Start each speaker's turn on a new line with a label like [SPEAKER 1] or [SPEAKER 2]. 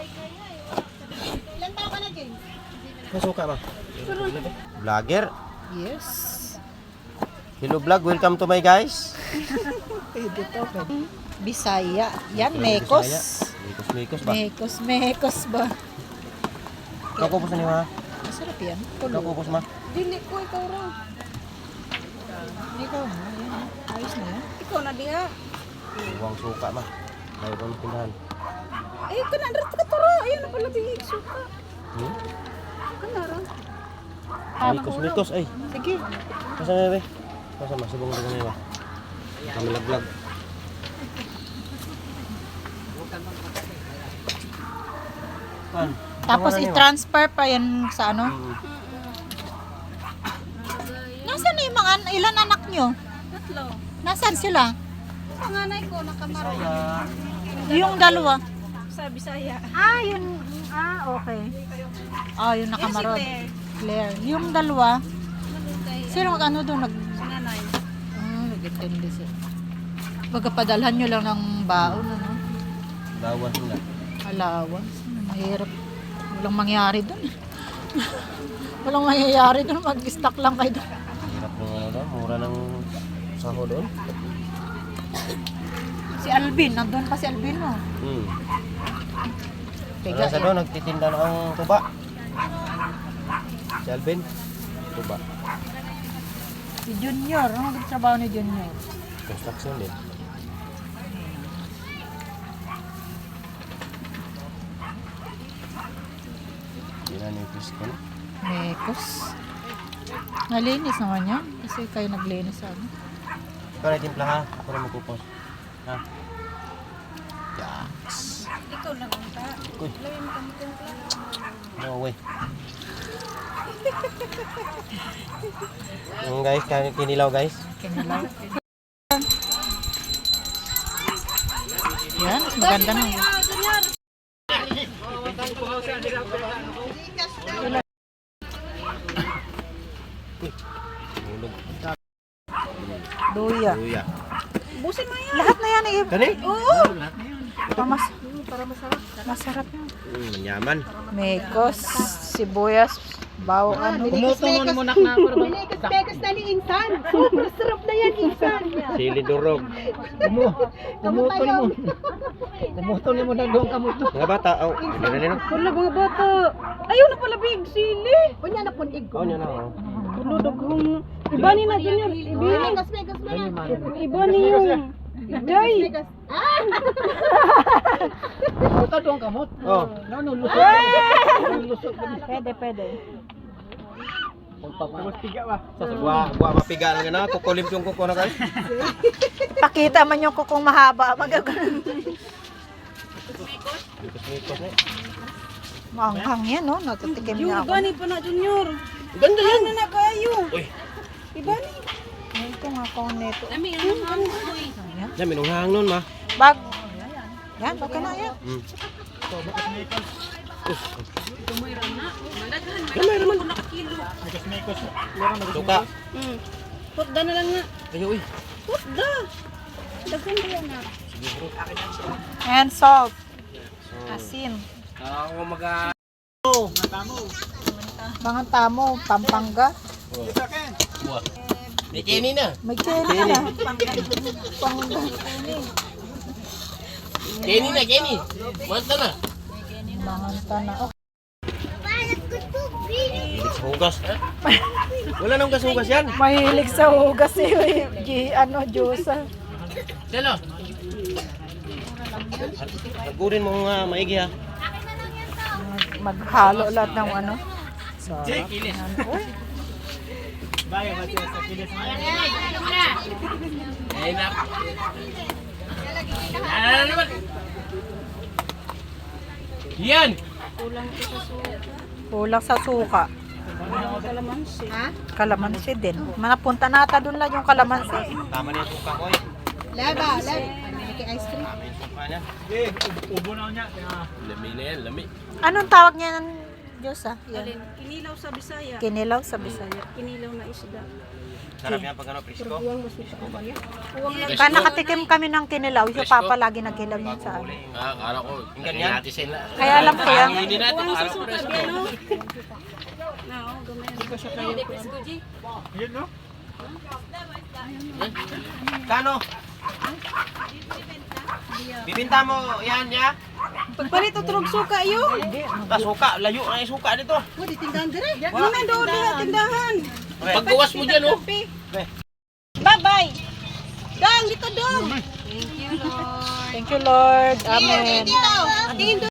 [SPEAKER 1] Ilan taon ka na, James?
[SPEAKER 2] Masuka ba? Vlogger.
[SPEAKER 1] Yes.
[SPEAKER 2] Hello vlog, welcome to my guys.
[SPEAKER 1] Pwede to. Bisaya. Yan, Mekos.
[SPEAKER 2] Mekos ba?
[SPEAKER 1] Mekos ba?
[SPEAKER 2] Kakupos na niyo ha?
[SPEAKER 1] Masarap yan.
[SPEAKER 2] Kakupos ma?
[SPEAKER 1] Dili ko, ikaw raw. Ikaw na, yan. Ayos na yan. Ikaw na diha.
[SPEAKER 2] Huwag suka ma. Ayaw ko pindahan.
[SPEAKER 1] Ay, kanandrat ka to raw. Ayun na pala bihig suka. Kanara.
[SPEAKER 2] Mekos ay.
[SPEAKER 1] Sige.
[SPEAKER 2] Masa na ba? Masa masibong ko na ba? Kami vlog.
[SPEAKER 1] Tapos i-transfer pa yan sa ano? Nasaan na yung mga ilan anak nyo? 3. Nasaan sila?
[SPEAKER 3] Panganay ko nakamaro
[SPEAKER 1] Yung dalawa.
[SPEAKER 3] sa Bisaya.
[SPEAKER 1] Yun. Okay. Yung nakamarod. Claire. Yung dalawa. Sino ano doon?
[SPEAKER 3] Nanay.
[SPEAKER 1] Nag-attend sila. Pagkapadalhan nyo lang ng baon, ano?
[SPEAKER 2] Bawas nila.
[SPEAKER 1] Allowance. Mahirap. Walang mangyari doon. Walang mangyayari doon. Mag-stock lang kayo doon.
[SPEAKER 2] Hirap ng ano daw, mura ng saho doon.
[SPEAKER 1] Si Alvin, nandun pa si Alvin mo.
[SPEAKER 2] Wala sa doon, nagtitinda ng tuba. Si Alvin, tuba.
[SPEAKER 1] Si Junior, ano nagtrabaho ni Junior?
[SPEAKER 2] Construction din. Yan yung fish ko.
[SPEAKER 1] Mekos. Nalinis naman yan. Kasi kayo naglinis sa ano.
[SPEAKER 2] Ikaw na timpla ha, ako na magpupos. Ha? Yaks.
[SPEAKER 3] Ikaw lang ang ta.
[SPEAKER 2] Uy.
[SPEAKER 3] Lawin mo kami timpla.
[SPEAKER 2] No way. Yung guys, kinilaw guys.
[SPEAKER 1] Kinilaw. Yan, mas maganda na.
[SPEAKER 2] Hulog.
[SPEAKER 1] Luya.
[SPEAKER 2] Luya.
[SPEAKER 3] Busin mo yan.
[SPEAKER 1] Lahat na yan eh.
[SPEAKER 2] Kani?
[SPEAKER 1] Oo. Para masarap. Masarap yan.
[SPEAKER 2] Manyaman.
[SPEAKER 1] Mekos, sibuyas, bawang ano.
[SPEAKER 3] Pumutungon mo na ako. Pinikas-pekas na ni Insan. Super sarap na yan, Insan.
[SPEAKER 2] Sili durog.
[SPEAKER 3] Kumutol mo na doon kamuto.
[SPEAKER 2] Mga bata, hindi na nino.
[SPEAKER 3] Wala mga bata. Ayaw na pala big sili. Kunya na punig ko.
[SPEAKER 2] Niya na oh.
[SPEAKER 3] Tulo daghong. Iba ni na Junior. Pinikas-pekas na yan. Iba ni yung. Day. Ito doon kamot.
[SPEAKER 2] Oh.
[SPEAKER 3] Lusok. Pwede.
[SPEAKER 2] Buwa mapiga na gana, kukulim yung kuko na guys.
[SPEAKER 1] Pakita man yung kukong mahaba. Magagano.
[SPEAKER 2] Mikos na.
[SPEAKER 1] Maanghang yan, no? Natutikim niya
[SPEAKER 3] Yung
[SPEAKER 1] ako.
[SPEAKER 3] gani pa na Junior.
[SPEAKER 2] Ganda yan.
[SPEAKER 3] Ano na kayo?
[SPEAKER 2] Uy.
[SPEAKER 3] Iba ni.
[SPEAKER 1] Ito nga kong neto.
[SPEAKER 3] Dami ang hangoy.
[SPEAKER 1] Ayan.
[SPEAKER 2] Yan, minunghang nun ma.
[SPEAKER 1] Bag. Yan, baka na yan.
[SPEAKER 2] Gamay naman. Suka.
[SPEAKER 3] Putda na lang nga.
[SPEAKER 2] Ayo uy.
[SPEAKER 3] Putda. Daghan ba yan na?
[SPEAKER 1] And salt. Asin.
[SPEAKER 2] Ako maga.
[SPEAKER 1] Mga tamo, Pampanga.
[SPEAKER 2] Buwa. May kini na.
[SPEAKER 1] May chili na.
[SPEAKER 2] Kini na, kini. Manta na.
[SPEAKER 1] Mga tana. Oh,
[SPEAKER 2] Hilig sa hugas. Wala nang gas-hugas yan.
[SPEAKER 1] mahilig sa hugas si Diyosa.
[SPEAKER 2] Selo. Tagurin mo nga maigi ha.
[SPEAKER 1] Maghalo lahat ng ano. Sarap. Uy,
[SPEAKER 2] Yan.
[SPEAKER 1] kulang sa suka.
[SPEAKER 3] Kalamansi.
[SPEAKER 1] Kalamansi din. Manapunta nata doon lang yung kalamansi.
[SPEAKER 2] Tama na yung suka ko eh.
[SPEAKER 1] Laba. May ice cream.
[SPEAKER 2] Tama yung suka niya. Ubo na niya. Lami na yan, lami.
[SPEAKER 1] Anong tawag niya? Diyos ah. Yan.
[SPEAKER 3] Alin, kinilaw sa Bisaya.
[SPEAKER 1] Kinilaw sa Bisaya.
[SPEAKER 3] Kinilaw na isda.
[SPEAKER 2] Sarap yan pag ano, presko.
[SPEAKER 3] Uwang lang.
[SPEAKER 1] Kaya nakatikim kami ng kinilaw. Yung papa lagi nagkilaw niya sa amin.
[SPEAKER 4] Akala ko,
[SPEAKER 2] Yung ganyan?
[SPEAKER 4] natin sila.
[SPEAKER 1] Kaya alam ko yan.
[SPEAKER 4] Hindi natin,
[SPEAKER 3] Uwang sa
[SPEAKER 4] parang
[SPEAKER 3] suka,
[SPEAKER 4] presko.
[SPEAKER 3] ano? Oo, gamay. Hindi ko siya kayo.
[SPEAKER 2] Kano? Bibinta mo yan, ya?
[SPEAKER 3] Pagpalit o turog suka yun.
[SPEAKER 2] Ta suka, layo na yung suka dito.
[SPEAKER 3] Wala doon na tindahan.
[SPEAKER 4] Paggawas mo dyan, oh.
[SPEAKER 3] Bye-bye. Dang, dito dong.
[SPEAKER 1] Thank you, Lord. Amen.
[SPEAKER 3] Tingin